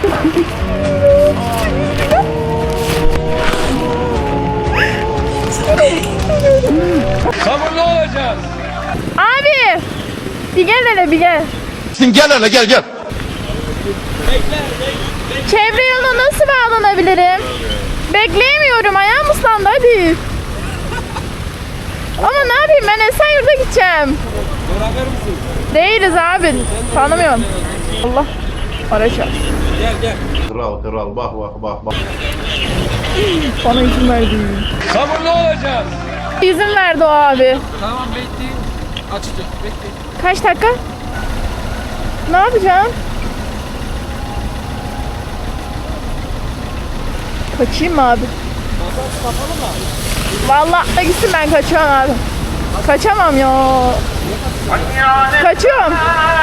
Sabırlı olacağız. Abi! Bir gel hele bir gel. Gel hele gel. Çevre yoluna nasıl bağlanabilirim? Bekleyemiyorum, ayağım ıslandı, hadi. Ama ne yapayım, ben Esenyurt'a gideceğim. Beraber misin? Değiliz abi, tanımıyorum. Allah, araç var. Gel. Kral bak. Bana izin verdi. Sabırlı olacağız. İzin verdi o abi. Tamam bekleyin. Açacak bekleyin. Kaç dakika? Ne yapacağım? Kaçayım mı abi? Vallahi gitsin, ben kaçıyorum abi. Kaçamam ya. Kaçıyorum.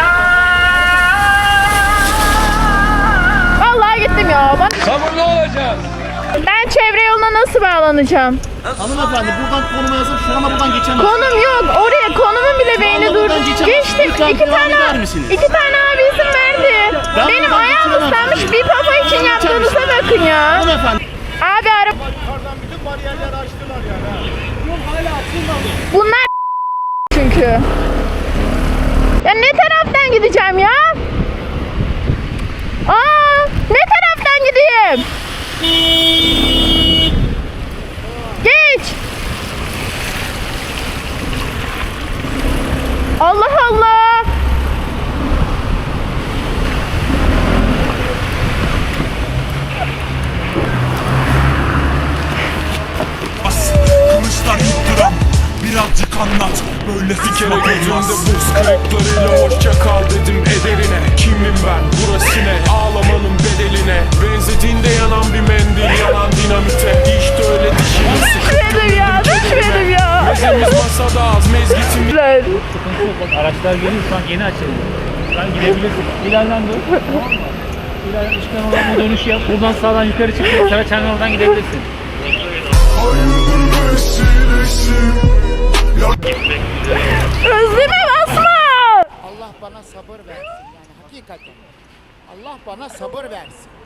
Vallahi gittim ya. Sabırlı olacağız. Ben çevre yoluna nasıl bağlanacağım? Hanımefendi buradan konuma yazın, şu anda buradan geçemezsiniz. Konum yok. Oraya konumun bile beyni durdu. buradan geçemezsiniz. Geçtim. Lütfen devam eder misiniz? İki tane abi izin verdi. Ben Benim buradan ayağım geçemem. ıslanmış. Bir papa için Buradan yaptığınıza geçemezsiniz. bakın ya. Hanımefendi. Abi araba... Bütün bariyerleri açtılar yani. Bunlar çünkü. Ya ne taraftan gideceğim ya? Ne taraftan gideyim? Geç. Allah Allah. Kılıçlar yutturan birazcık anlat. Böyle fikir gözünde buz kırıklarıyla hoşça kal dedim ederine. Kimim ben burası ne, ağlamanın bedeline. Benzediğinde yanan bir mendil, yanan dinamite. İşte öyle dişini Düşmedim ya, düşmedim ya. Mezemiz masada az, mezgitimiz. Sıkıntı yok. Bak araçlar geliyor, şu an yeni açıldı. Şu an gidebilirsin. İleriden dur. Tamam mı? İleriden çıkan olan bir dönüş yap. Buradan sağdan yukarı çık. Saraçhane oradan gidebilirsin. Özleme basma. Allah bana sabır versin yani hakikaten. Allah bana sabır versin.